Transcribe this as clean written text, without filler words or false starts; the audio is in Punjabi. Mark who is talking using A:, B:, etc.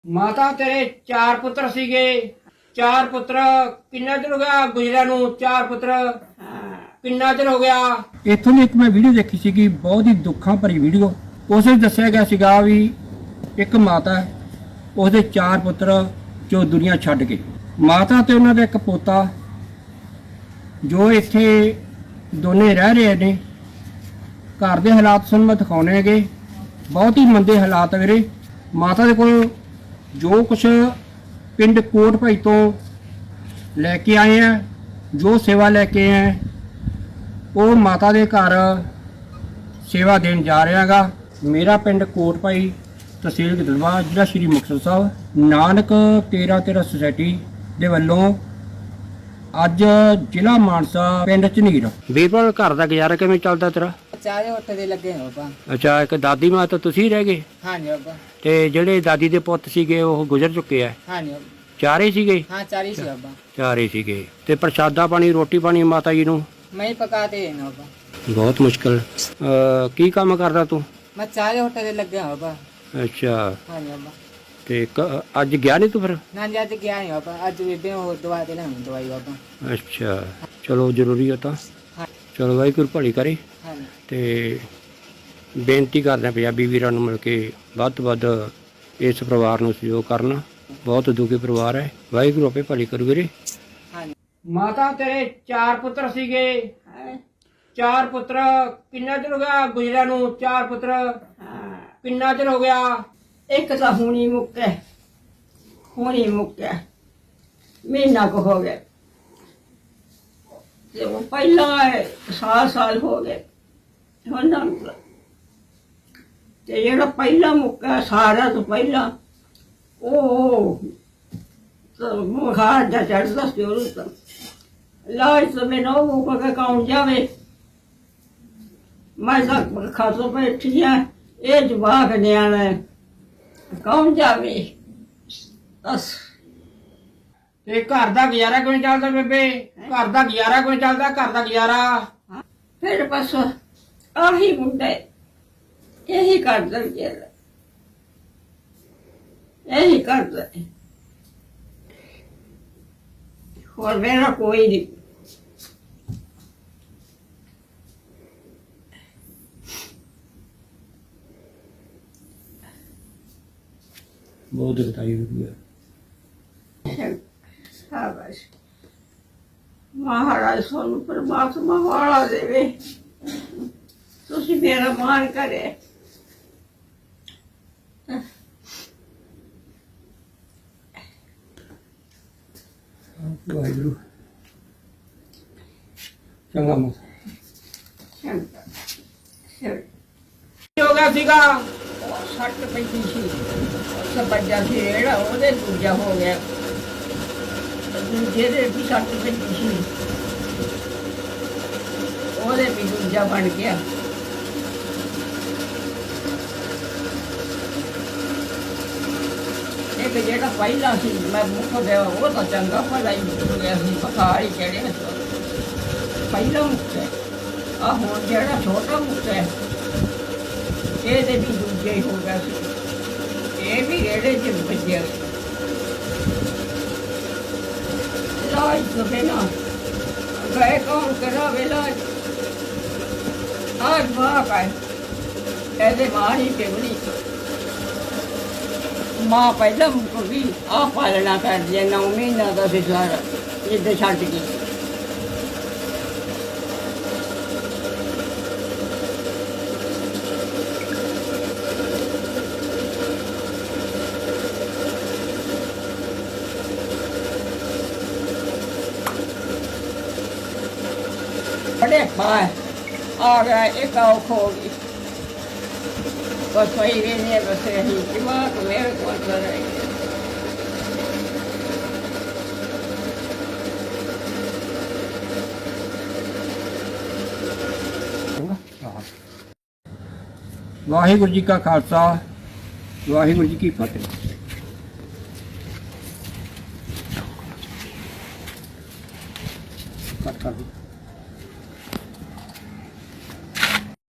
A: ਮਾਤਾ ਤੇਰੇ ਚਾਰ ਪੁੱਤਰ ਸੀਗੇ। ਚਾਰ ਪੁੱਤਰ ਕਿੰਨਾ ਚਿਰ ਹੋ ਗਿਆ ਗੁਜਰਿਆਂ ਨੂੰ? ਚਾਰ ਪੁੱਤਰ ਕਿੰਨਾ ਚਿਰ ਹੋ ਗਿਆ? ਇੱਥੋਂ ਦੀ ਇੱਕ ਮੈਂ ਵੀਡੀਓ ਦੇਖੀ ਸੀਗੀ, ਬਹੁਤ ਹੀ ਦੁੱਖਾਂ ਭਰੀ ਵੀਡੀਓ। ਉਸ ਵਿੱਚ ਦੱਸਿਆ ਗਿਆ ਸੀਗਾ ਵੀ ਇੱਕ ਮਾਤਾ ਹੈ, ਉਹਦੇ ਚਾਰ ਪੁੱਤਰ ਜੋ ਦੁਨੀਆ ਛੱਡ ਗਏ। ਮਾਤਾ ਤੇ ਉਹਨਾਂ ਦਾ ਇੱਕ ਪੋਤਾ ਜੋ ਇੱਥੇ ਦੋਨੇ ਰਹਿ ਰਹੇ ਨੇ। ਘਰ ਦੇ ਹਾਲਾਤ ਤੁਹਾਨੂੰ ਮੈਂ ਦਿਖਾਉਣੇ ਹੈਗੇ, ਬਹੁਤ ਹੀ ਮੰਦੇ ਹਾਲਾਤ ਵੀਰੇ। ਮਾਤਾ ਦੇ ਕੋਲ ਜੋ ਕੁਛ ਪਿੰਡ ਕੋਟ ਭਾਈ ਤੋਂ ਲੈ ਕੇ ਆਏ ਆ, ਜੋ ਸੇਵਾ ਲੈ ਕੇ ਆਏ ਆ, ਉਹ ਮਾਤਾ ਦੇ ਘਰ ਸੇਵਾ ਦੇਣ ਜਾ ਰਿਹਾ ਗਾ। ਮੇਰਾ ਪਿੰਡ ਕੋਟ ਭਾਈ, ਤਹਿਸੀਲ ਗਿੱਦੜਬਾਹਾ, ਜ਼ਿਲ੍ਹਾ ਸ਼੍ਰੀ ਮੁਕਤਸਰ ਸਾਹਿਬ। ਨਾਨਕ 13 ਸੁਸਾਇਟੀ ਦੇ ਵੱਲੋਂ ਅੱਜ ਜ਼ਿਲ੍ਹਾ ਮਾਨਸਾ ਪਿੰਡ ਝਨੀਰ। ਵੀਰਵਾਲ, ਘਰ ਦਾ ਗੁਜ਼ਾਰਾ ਕਿਵੇਂ ਚੱਲਦਾ ਤੇਰਾ?
B: ਚਾਰੇ ਉੱਠ ਦੇ ਲੱਗੇ ਹੋ ਬਾਬਾ।
A: ਅੱਛਾ, ਇੱਕ ਦਾਦੀ ਮਾਂ ਤਾਂ ਤੁਸੀਂ ਰਹਿ ਗਏ?
B: ਹਾਂਜੀ ਬਾਬਾ।
A: ਤੇ ਜਿਹੜੇ ਦਾਦੀ ਦੇ ਪੁੱਤ ਸੀਗੇ ਉਹ ਗੁਜ਼ਰ ਚੁੱਕੇ ਆ?
B: ਹਾਂਜੀ ਬਾਬਾ।
A: ਚਾਰੇ ਸੀਗੇ?
B: ਹਾਂ, ਚਾਰੇ ਸੀ ਬਾਬਾ।
A: ਚਾਰੇ ਸੀਗੇ। ਤੇ ਪ੍ਰਸ਼ਾਦਾ ਪਾਣੀ, ਰੋਟੀ ਪਾਣੀ ਮਾਤਾ ਜੀ ਨੂੰ
B: ਮੈਂ ਹੀ ਪਕਾ ਦੇ ਨਾ ਬਾਬਾ।
A: ਬਹੁਤ ਮੁਸ਼ਕਲ। ਕੀ ਕੰਮ ਕਰਦਾ ਤੂੰ?
B: ਮੈਂ ਚਾਰੇ ਉੱਠ ਦੇ ਲੱਗੇ ਹੋ ਬਾਬਾ।
A: ਅੱਛਾ,
B: ਹਾਂਜੀ ਬਾਬਾ।
A: ਤੇ ਅੱਜ ਗਿਆ ਨਹੀਂ ਤੂੰ ਫਿਰ?
B: ਨਾ ਜੀ, ਅੱਜ ਗਿਆ ਨਹੀਂ ਬਾਬਾ। ਅੱਜ ਬੇਬੇ ਉਹ ਦਵਾ ਦੇ ਨਾ ਦਵਾਈ ਬਾਬਾ।
A: ਅੱਛਾ, ਚਲੋ ਜ਼ਰੂਰੀ ਹੋ ਤਾਂ
B: ਹਾਂ।
A: ਚਲੋ ਵਾਹਿਗੁਰੂ ਭਲੀ ਕਰੇ।
B: ਹਾਂਜੀ।
A: ਤੇ ਬੇਨਤੀ ਕਰਦੇ ਹਾਂ ਪੰਜਾਬੀ ਵੀਰਾਂ ਨੂੰ ਮਿਲ ਕੇ ਵੱਧ ਤੋਂ ਵੱਧ ਇਸ ਪਰਿਵਾਰ ਨੂੰ ਸਹਿਯੋਗ ਕਰਨਾ। ਬਹੁਤ ਦੁਖੀ ਪਰਿਵਾਰ ਹੈ। ਵਾਹਿਗੁਰੂ ਆਪੇ ਭਲੀ ਕਰੂ ਵੀਰੇ।
B: ਹਾਂਜੀ।
A: ਮਾਤਾ ਤੇਰੇ ਚਾਰ ਪੁੱਤਰ ਸੀਗੇ। ਚਾਰ ਪੁੱਤਰ ਕਿੰਨਾ ਚਿਰ ਹੋ ਗਿਆ ਗੁਜਰਿਆਂ ਨੂੰ? ਚਾਰ ਪੁੱਤਰ ਕਿੰਨਾ ਚਿਰ ਹੋ ਗਿਆ?
C: ਇੱਕ ਤਾਂ ਹੁਣੀ ਮੁੱਕਿਆ, ਮਹੀਨਾ ਕੁ ਹੋ ਗਿਆ। ਤੇ ਉਹ ਪਹਿਲਾਂ ਸਾਲ ਹੋ ਗਏ ਹੁਣ ਨਾ ਮੁੱਕਾ। ਤੇ ਜਿਹੜਾ ਪਹਿਲਾਂ ਮੁੱਕਾ ਸਾਰਾ ਤੋਂ ਪਹਿਲਾਂ ਉਹ ਮੁਖਾਰ ਦਾ ਚੜਦਾ ਸੀ ਉਹਨੂੰ ਤਾਂ ਲਾਜ ਤੋਂ ਮੈਨੂੰ ਉਹ ਕਾ ਕੌਣ ਜਾਵੇ। ਮੈਂ ਤਾਂ ਖਾਸੋ ਬੈਠੀ ਆ, ਇਹ ਜਵਾਕ ਨਿਆਣਾ ਕੌਣ ਜਾਵੇ ਬਸ।
A: ਤੇ ਘਰ ਦਾ ਗੁਜ਼ਾਰਾ ਕਿਵੇਂ ਚੱਲਦਾ ਬੇਬੇ? ਘਰ ਦਾ ਗੁਜ਼ਾਰਾ ਕਿਵੇਂ ਚੱਲਦਾ? ਘਰ ਦਾ ਗੁਜ਼ਾਰਾ
C: ਫਿਰ ਬਸ ਆਹੀ ਮੁੰਡਾ ਇਹੀ ਕਰਦਾ ਵਿਚਾਰਾ, ਇਹੀ ਕਰਦਾ। ਹੋਰ ਮੇਰਾ ਕੋਈ ਨਹੀਂ।
A: ਬਹੁਤ ਦੁਖਦਾਈ ਹੋਈ ਹੈ।
C: ਸ਼ਾਬਾਸ਼, ਮਹਾਰਾਜ ਸਾਨੂੰ ਪਰਮਾਤਮਾ ਵਾਲਾ ਦੇਵੇ। ਤੁਸੀਂ ਮੇਰਾ ਮਾਣ ਕਰੇ।
A: ਵਾਹਿਗੁਰੂ ਚੰਗਾ ਮੋਸ ਹੋ ਗਿਆ ਸੀਗਾ।
C: ਸੱਟ ਪੈਂਦੀ ਸੀ, ਸੱਜਾ ਸੀ ਜਿਹੜਾ ਉਹਦੇ ਦੂਜਾ ਹੋ ਗਿਆ। ਦੂਜੇ ਦੇ ਵੀ ਸੱਟ ਪੈਂਦੀ ਸੀ, ਉਹਦੇ ਵੀ ਦੂਜਾ ਬਣ ਗਿਆ। ਇੱਕ ਜਿਹੜਾ ਪਹਿਲਾਂ ਸੀ ਮੈਂ ਮੁੱਖ ਦੇ ਉਹ ਤਾਂ ਚੰਗਾ ਭਲਾ ਹੀ ਹੋ ਗਿਆ ਸੀ, ਬੁਖਾਰ ਹੀ ਚੜਿਆ ਸੀ। ਪਹਿਲਾਂ ਮੁੱਖ ਹੈ ਆ, ਹੁਣ ਜਿਹੜਾ ਛੋਟਾ ਮੁੱਖ ਹੈ ਇਹਦੇ ਵੀ ਦੂਜੇ ਹੀ ਹੋ ਗਿਆ ਸੀ। ਇਹ ਵੀ ਰੇੜੇ 'ਚ ਵੱਜਿਆ ਸੀ। ਇਲਾਜ ਤੋਂ ਬਿਨਾਂ ਗਏ ਕੌਣ ਕਰਾਵੇ ਇਲਾਜ? ਆਜ ਮਾਂ ਹੈ, ਇਹਦੇ ਮਾਂ ਹੀ ਪਿਵਲੀ। ਮਾਂ ਪਹਿਲਾਂ ਮੁੱਕ ਗਈ, ਆਹ ਪਾਲਣਾ ਕਰਦੀ ਹੈ। 9 ਮਹੀਨਾ ਦਾ ਸੀ ਸਾਰਾ ਜਿੱਦਾਂ ਛੱਡ ਗਈ। बड़े खाए आ गया, एक औख हो गई। बस वही रहने बस यही दिमाग मेरे को अंदर है।
A: ਵਾਹਿਗੁਰੂ ਜੀ ਕਾ ਖਾਲਸਾ, ਵਾਹਿਗੁਰੂ ਜੀ ਕੀ ਫਤਿਹ। ਕੱਟ ਕਰ ਦਿਓ।